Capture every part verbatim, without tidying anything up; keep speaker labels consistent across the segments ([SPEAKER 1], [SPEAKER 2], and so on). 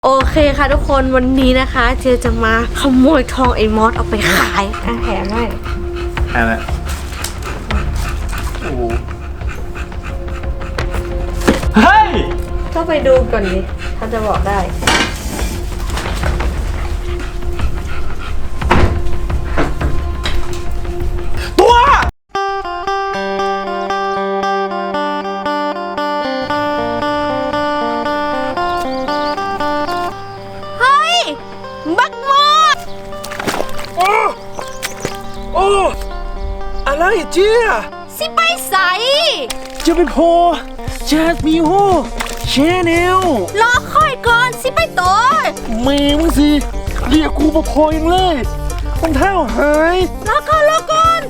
[SPEAKER 1] โอเคค่ะทุกคนวันนี้นะคะเจจะมาขโมยทองไอ้มอสเอาไปขายอ่ะแถมให้
[SPEAKER 2] อะไรโอ้เฮ้ย
[SPEAKER 1] ก็ไปดูก่อนดิถ้าจะบอกได้
[SPEAKER 2] ตัว
[SPEAKER 1] เฮ้ยบักมอส
[SPEAKER 2] โอ้โอ้อะไรเจี๊ย
[SPEAKER 1] สิไปใส
[SPEAKER 2] จะไปโพจาดมิวแชนแนล
[SPEAKER 1] รอค่อยก่อนสิไปตัว
[SPEAKER 2] เมย์มึงสิเรียกกูมาพอยังเลยรองเท้าหาย
[SPEAKER 1] รอก่อนรอก่อน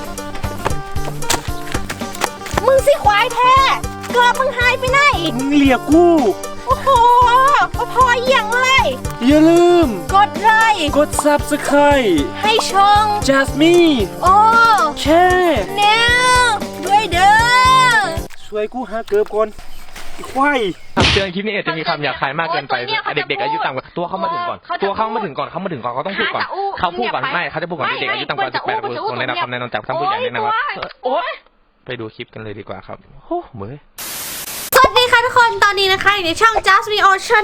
[SPEAKER 1] มึงสิควายแท้เกือบมึงหายไปไหน
[SPEAKER 2] มึงเรียกกู
[SPEAKER 1] โอ้โหพออย่างเลย
[SPEAKER 2] อย่าลืม
[SPEAKER 1] กดไลค์
[SPEAKER 2] กด ซับสไครบ์
[SPEAKER 1] ให้ช่อง
[SPEAKER 2] จัสมี
[SPEAKER 1] โอ้
[SPEAKER 2] แชร์
[SPEAKER 1] แนวด้วยเด้อ
[SPEAKER 2] ช่วยกูหาเกือบก่อนควาย
[SPEAKER 3] คำเตือนคลิปนี้อาจจะมีคำหยาบคายมากเกินไปเด็กๆอายุต่ำกว่าตัวเขามาถึงก่อนตัวเขามาถึงก่อนเขามาถึงก่อนเขาต้องพูดก่อนเขาพูดก่อนไม่เขาจะพูดก่อนเด็กๆอายุต่ำกว่าสิบแปดปีต้องได้รับคำแนะนำจากท่านผู้ใหญ่แนะนำว่าโอ๊ยไปดูคลิปกันเลยดีกว่าครับโอ้เหมย
[SPEAKER 1] สวัสดีค่ะทุกคนตอนนี้นะคะอยู่ในช่อง Just Me Ocean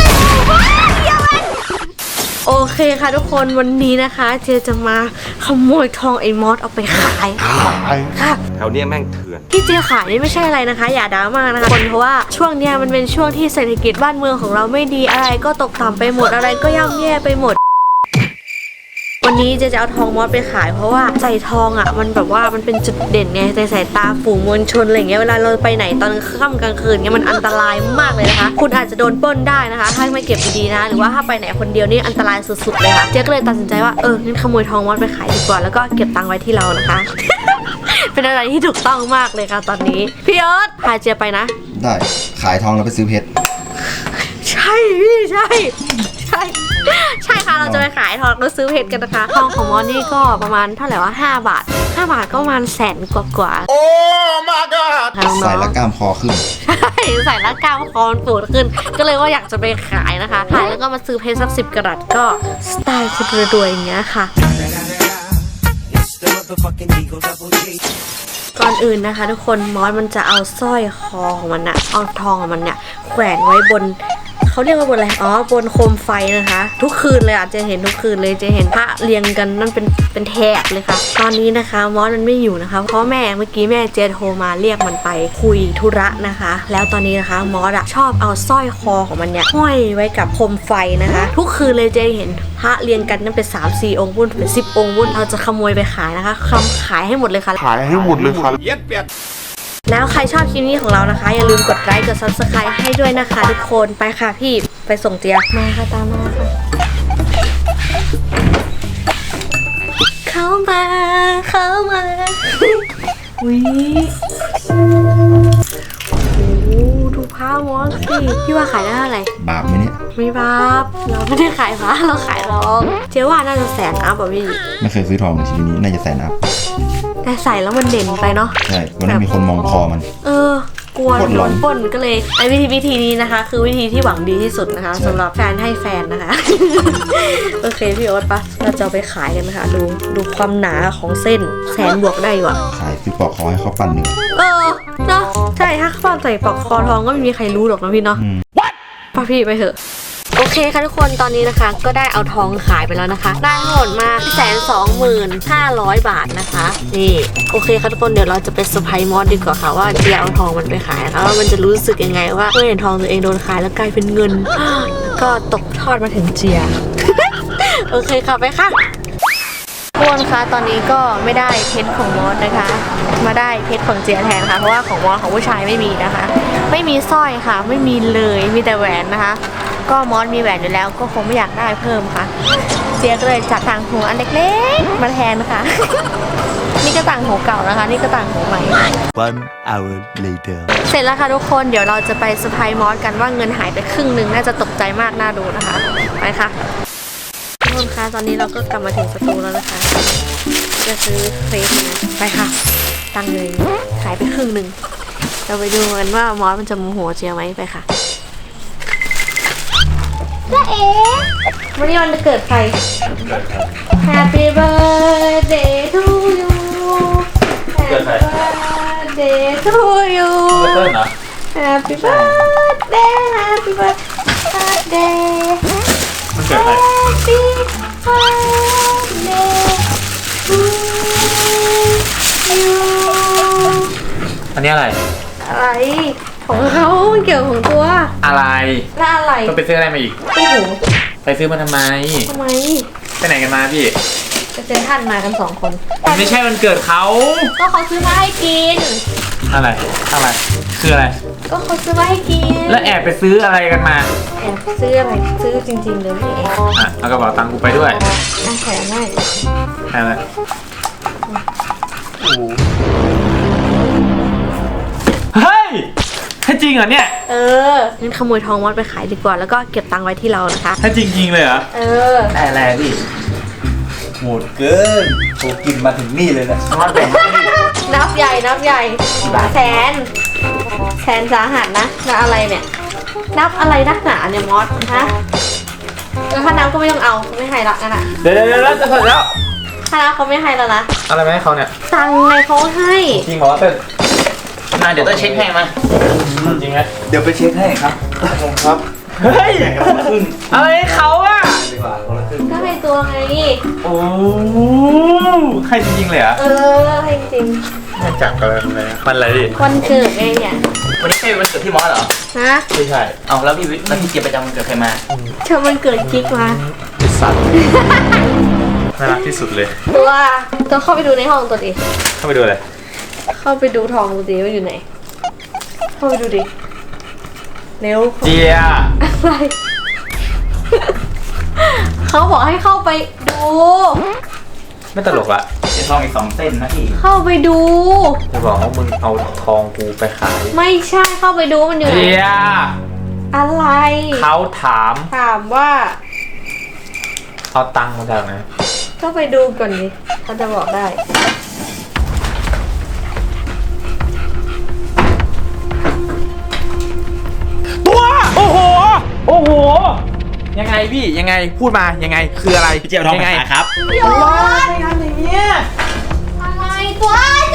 [SPEAKER 1] โอเคค่ะทุกคนวันนี้นะคะเจจะมาขโมยทองไอ้มอสเอาไปขายค่ะ
[SPEAKER 3] แถวนี้แม่งเถื่อน
[SPEAKER 1] ที่เจขายนี่ไม่ใช่อะไรนะคะอย่าดราม่านะคะคนเพราะว่าช่วงเนี้ยมันเป็นช่วงที่เศรษฐกิจบ้านเมืองของเราไม่ดีอะไรก็ตกต่ำไปหมดอะไรก็ย่ำแย่ไปหมดวันนี้เจจะเอาทองมอสไปขายเพราะว่าใส่ทองอ่ะมันแบบว่ามันเป็นจุดเด่นไงในสายตาฝูงมวลชนอะไรเงี้ยเวลาเราไปไหนตอนค่ำกลางคืนเงี้ยมันอันตรายมากเลยนะคะคุณอาจจะโดนปล้นได้นะคะถ้าไม่เก็บดีๆนะหรือว่าถ้าไปไหนคนเดียวนี่อันตรายสุดๆเลยค่ะเจก็เลยตัดสินใจว่าเอองั้นขโมยทองมอสไปขายดีกว่าแล้วก็เก็บตังค์ไว้ที่เรานะคะ เป็นอะไรที่ถูกต้องมากเลยค่ะตอนนี้พี่เอิร์ธพาเจไปนะ
[SPEAKER 4] ได้ขายทองแล้วไปซื้อเพชร
[SPEAKER 1] ใช่พี่ใช่ใช่ใช่ค่ะเราจะไปขายทองแล้วซื้อเพชรกันนะคะทองของมอสนี่ก็ประมาณเท่าไหร่ว่าห้าบาทห้าบาทก็ประมาณแสนกว่ากว่า
[SPEAKER 2] โอ้ my god
[SPEAKER 4] ใส่แล้วกล้ามคอขึ้น
[SPEAKER 1] ใช่ใส่แล้วกล้ามคอมันปูดขึ้นก็เลยว่าอยากจะไปขายนะคะขายแล้วก็มาซื้อเพชรสักสิบกะรัตก็สไตล์คนรวยอย่างเงี้ยค่ะก่อนอื่นนะคะทุกคนมอสมันจะเอาสร้อยคอของมันอะเอาทองของมันเนี่ยแขวนไว้บนเขาเรียกว่าบนอะไรอ๋อบนโคมไฟนะคะทุกคืนเลยอ่ะจะเห็นทุกคืนเลยจะเห็นพระเรียงกันนั่นเป็นเป็นแถบเลยค่ะตอนนี้นะคะมอสมันไม่อยู่นะคะเพราะแม่เมื่อกี้แม่เจโทรมาเรียกมันไปคุยธุระนะคะแล้วตอนนี้นะคะมอสอะชอบเอาสร้อยคอของมันเนี่ยห้อยไว้กับโคมไฟนะคะทุกคืนเลยจะเห็นพระเรียงกันนั่นเป็นสามสี่องค์วุ่นเป็นสิบองค์วุ่นเราจะขโมยไปขายนะคะคำขายให้หมดเลยค่ะ
[SPEAKER 2] ขายให้หมดเลยค่ะเย็ดเปียด
[SPEAKER 1] แล้วใครชอบคลิปนี้ของเรานะคะอย่าลืมกดไลค์กด ซับสไครบ์ ให้ด้วยนะคะทุกคนไปค่ะพี่ไปส่งเจี๊ยบมาค่ะตามมาค่ะเข้ามาเข้ามาวิโอ้ดูผ้ามอสสิพี่ว่าขายได้เท่าไหร่
[SPEAKER 4] บาปไหมเนี่ย
[SPEAKER 1] ไม่บาปเราไม่ได้ขายผ้าเราขายทองเจ๊ว่าน่าจะแสนอัพอ่ะพี่
[SPEAKER 4] ไม่เคยซื้อทองในชีวิตนี้น่าจะแสนอัพ
[SPEAKER 1] แต่ใส่แล้วมันเด่นไปเนาะ
[SPEAKER 4] ใช่วันนั้นมีคนมองคอมัน
[SPEAKER 1] เออกลัวโดนปล้นก็เลยไอ้วิธีวิธีนี้นะคะคือวิธีที่หวังดีที่สุดนะคะสำหรับแฟนให้แฟนนะคะ โอเคพี่โอ๊ตปะเราจะไปขายกันนะคะดูดูความหนาของเส้นแสนบวกได้อยู่อะ
[SPEAKER 4] ขายซื้อปอกคอให้เขาปั้นหนึ่ง
[SPEAKER 1] เออเนาะใช่ถ้าปั้นใส่ปอกคอทองก็ไม่มีใครรู้หรอกนะพี่เนาะป้าพี่ไปเถอะโอเคค่ะทุกคนตอนนี้นะคะก็ได้เอาทองขายไปแล้วนะคะได้ทั้งหมดมาแสนสองหมื่นห้าร้อยบาทนะคะนี่โอเคค่ะทุกคนเดี๋ยวเราจะไปเซอร์ไพรส์มอสดีกว่าค่ะว่าเจียเอาทองมันไปขายแล้วมันจะรู้สึกยังไงว่าเมื่อเห็นทองตัวเองโดนขายแล้วกลายเป็นเงินก็ตกทอดมาถึงเจีย โอเคค่ะไปค่ะทุกคนคะตอนนี้ก็ไม่ได้เพชรของมอสนะคะมาได้เพชรของเจียแทนค่ะเพราะว่าของมอสของผู้ชายไม่มีนะคะไม่มีสร้อยค่ะไม่มีเลยมีแต่แหวนนะคะก็มอสมีแหวนอยู่แล้วก็คงไม่อยากได้เพิ่มค่ะเจียก็เลยจัดต่างหูอันเล็กๆมาแทนนะคะ นี่ก็ต่างหูเก่านะคะนี่ก็ต่างหูใหม่
[SPEAKER 4] One hour later
[SPEAKER 1] เสร็จแล้วค่ะทุกคนเดี๋ยวเราจะไปเซอร์ไพรส์มอสกันว่าเงินหายไปครึ่งหนึ่งน่าจะตกใจมากน่าดูนะคะไปค่ะทุกคนคะตอนนี้เราก็กลับมาถึงสตูแล้วนะคะจะซื้อเฟซนะไปค่ะตังค์เลยหายไปครึ่งหนึ่งเราไปดูกันว่ามอสมันจะโมโหเจียไหมไปค่ะวันนี้วันเกิดใคร Happy birthday to you Happy birthday to you
[SPEAKER 3] เต้นเหรอ
[SPEAKER 1] Happy birthday Happy birthday
[SPEAKER 3] มันเกิดอะไร
[SPEAKER 1] Happy birthday to you
[SPEAKER 3] อันนี้อะไร
[SPEAKER 1] อะไรของเขามันเกี่ยวของตัว
[SPEAKER 3] อะไร
[SPEAKER 1] แล้วอะไร
[SPEAKER 3] ก็ไปซื้ออะไรมาอีก
[SPEAKER 1] โอ้โห
[SPEAKER 3] ไปซื้อมาทำไม
[SPEAKER 1] ทำไม
[SPEAKER 3] ไปไหนกันมาพี่
[SPEAKER 1] ไปเซ็นทรัลมากันสองคน
[SPEAKER 3] มันไม่ใช่วันเกิดเขา
[SPEAKER 1] ก็เขาซื้อมาให้กิน
[SPEAKER 3] อะไร อะไร คืออะไร
[SPEAKER 1] ก็เขาซื้อมาให้กิน
[SPEAKER 3] แล้วแอบไปซื้ออะไรกันมา
[SPEAKER 1] แอบซื้ออะไรซื้อจริงๆเลยไม่แอบ
[SPEAKER 3] อ่ะเอากระเป๋าตังค์กูไปด้วย
[SPEAKER 1] น่าแขนให้
[SPEAKER 3] อะไรโอ้โหเฮ้ยให้จริงเหรอเนี่ย
[SPEAKER 1] เอองั้นขโมยทองมอดไปขายดีกว่าแล้วก็เก็บตังค์ไว้ที่เรานะคะ
[SPEAKER 3] ให้จริงๆเลยเหรอ
[SPEAKER 1] เออ
[SPEAKER 4] ได้อะไรพี่โหดเกินโหกินมาถึงนี่เลยนะ
[SPEAKER 3] มาแบ่งให้ดิ
[SPEAKER 1] นับใหญ่นับใหญ่แสนแสนสาหัสนะนับอะไรเนี่ย นับอะไรนักหนาเนี่ยมอสฮะเออถ้านับก็ไม่ต้องเอาไม่ให้ละนั่นน่ะ
[SPEAKER 3] เดี๋ยวเดี๋ยวเดี๋ยวจะเสร็จแล้ว
[SPEAKER 1] ถ้านับเขาไม่ให้แล้วนะ
[SPEAKER 3] อะไรมาให้เขาเนี่ย
[SPEAKER 1] ตังค์ไงเขาให้
[SPEAKER 3] จริงเหรอวะเต้นมาเดี๋ยวต้องเช็คให้มาจริงไหม
[SPEAKER 4] เดี๋ยวไปเช็คให้ครับครับ
[SPEAKER 3] เฮ้ยอะไรให้เขาอะ
[SPEAKER 4] ดีกว่าคนละครึ่ง
[SPEAKER 1] ก็ให้ตัวไง
[SPEAKER 3] โอ้ให้จริงๆเลยเหรอ
[SPEAKER 1] เออให้จริง
[SPEAKER 3] ไม่จับกันเลยมันอะไรดิ
[SPEAKER 1] วันเกิดไงเนี่ย
[SPEAKER 5] วันนี้ใช่วันเกิดพี่มอสเหรอ
[SPEAKER 1] ฮะ
[SPEAKER 3] ไม่ใช่
[SPEAKER 5] เอาแล้วพี่วิแล้วพี่เจี๊ยบประจำวันเกิดใครมา
[SPEAKER 1] เธอมันเกิดกิ๊กมา
[SPEAKER 3] ไอ้สัตว์น่ารักที่สุดเลย
[SPEAKER 1] ตัวตัวเข้าไปดูในห้องตัวดิ
[SPEAKER 3] เข้าไปดูเลย
[SPEAKER 1] เข้าไปดูทองดูดิว่าอยู่ไหน เข้าไปดูดิ เร็ว
[SPEAKER 3] เจีย
[SPEAKER 1] อะไร เขาบอกให้เข้าไปดู
[SPEAKER 3] ไม่ตลกละ
[SPEAKER 5] เดี๋ยวทองอีกสองเส้นนะพี่
[SPEAKER 1] เข้าไปดู
[SPEAKER 3] จะบอกว่ามึงเอาทองกูไปขาย
[SPEAKER 1] ไม่ใช่เข้าไปดูมันอยู่ไหน
[SPEAKER 3] เจีย
[SPEAKER 1] อะไร
[SPEAKER 3] เขาถาม
[SPEAKER 1] ถามว่า
[SPEAKER 3] เอาตังค์มาจากไหน
[SPEAKER 1] ก็ไปดูก่อนดิเขาจะบอกได้
[SPEAKER 3] ตัวโอ้โหโอ้โหยังไงพี่ยังไงพูดมายังไงคืออะไร
[SPEAKER 5] พี่เจี๊ยบเอาทองไป
[SPEAKER 3] ยัไง
[SPEAKER 5] ขายครับ
[SPEAKER 1] โยน
[SPEAKER 3] ทำอย่างเงี้ย
[SPEAKER 1] อะไรตัวเจ๊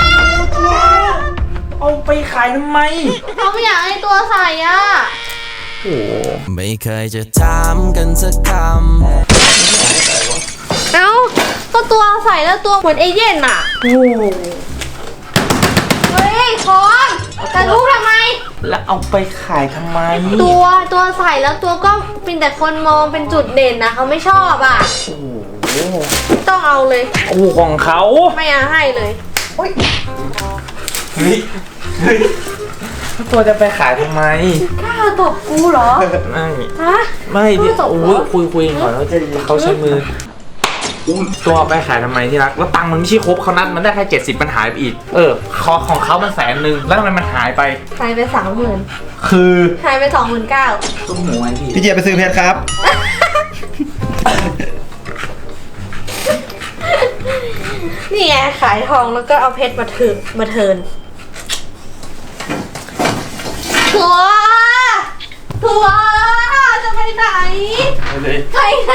[SPEAKER 3] เอาไปขายทำไม
[SPEAKER 1] เขาไม่อยากให้ตัวใส่อ่ะ
[SPEAKER 3] โอ้โห
[SPEAKER 6] ไม่เคยจะถามกันสักคำ
[SPEAKER 1] เอ้าก็ตัวใส่แล้วตัวเหมือนเอเย่นอ่ะ
[SPEAKER 3] โอ้โห
[SPEAKER 1] เฮ้ยคอนแต่รู้ทำไม
[SPEAKER 3] แล้วเอาไปขายทำไม
[SPEAKER 1] ตัวตัวใส่แล้วตัวก็เป็นแต่คนมองเป็นจุดเด่นนะเขาไม่ชอบอ่ะ
[SPEAKER 3] โอ้โห
[SPEAKER 1] ต้องเอาเลย
[SPEAKER 3] โอ้โหของเขา
[SPEAKER 1] ไม่เอาให้เลย
[SPEAKER 3] เฮ้ยเฮ้ยแล้วตัวจะไปขายทำไม
[SPEAKER 1] กล้าตบกูเหรอ
[SPEAKER 3] ไม่
[SPEAKER 1] ฮะ
[SPEAKER 3] ไม่ดิ
[SPEAKER 1] ไม่ตบ
[SPEAKER 3] โอ้
[SPEAKER 1] เหรอ
[SPEAKER 3] ยคุยคุยก่อนแล้วจะเขาใช้มือตัวเอาไปขายทำไมที่รักแล้วตังค์มันไม่ใช่ครบเขานัดมันได้แค่เจ็ดสิบมันหายไปอีกเออของของเขามันแสนหนึ่งแล้วทำไมมันหายไป
[SPEAKER 1] หายไปสามหมื่น
[SPEAKER 3] คือ
[SPEAKER 1] หายไปสองหมื่นเก้า
[SPEAKER 5] ตุ้มหมูไงพี่
[SPEAKER 4] พี่เจี๊ยบไปซื้อเพชรครับ
[SPEAKER 1] นี่ไงขายทองแล้วก็เอาเพชรมาถือมาเทิร์นตัวตัวจะไปไหน ไปไหน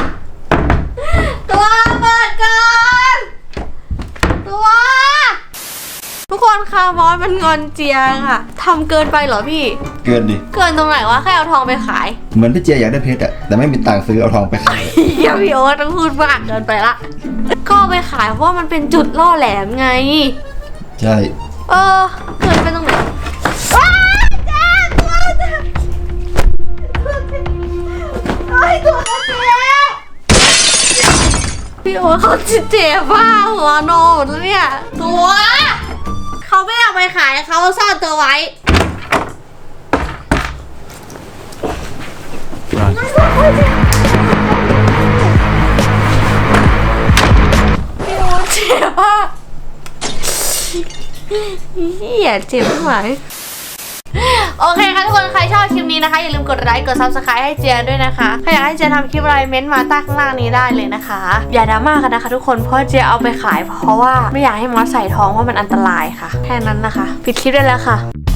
[SPEAKER 1] ตัวเปิดก่อนตัว ทุกคนค่ะมอสมันงอนเจียค่ะทำเกินไปเหรอพี่
[SPEAKER 4] เกินดิ
[SPEAKER 1] เกินตรงไหนวะแค่เอาทองไปขาย
[SPEAKER 4] เหมือนพี่เจี๊ยบอยากได้เพชรอะแต่ไม่มีตังค์ซื้อเอาทองไปขาย
[SPEAKER 1] เดี๋ยวพี่โอ๊ตต้องพูดมากเกินไปละก็เอาไปขายเพราะว่ามันเป็นจุดล่อแหลมไง
[SPEAKER 4] ใช่
[SPEAKER 1] เออเกินไปตรงไหนว้าวจ้าตัวจ้าไอ้ตัวเจ๊พี่โอ๊ตเขาเจ็บว่าหัวโนหมดแล้วเนี่ยตัวเขาไม่เอาไปขายเขาซ่อนตัวไว้พี่โอ๊ตเจ็บว่าเหี้ยเจ็บไม่ไหวโอเคค่ะทุกคนใครชอบคลิปนี้นะคะอย่าลืมกดไลค์กด ซับสไครบ์ ให้เจียด้วยนะคะใครอยากให้เจียทำคลิปอะไรเม้นต์มาใต้ข้างล่างนี้ได้เลยนะคะ อย่าดราม่ากันนะคะทุกคนเพราะเจียเอาไปขายเพราะว่าไม่อยากให้มอสใส่ท้องเพราะมันอันตรายค่ะแค่นั้นนะคะปิดคลิปได้แล้วค่ะ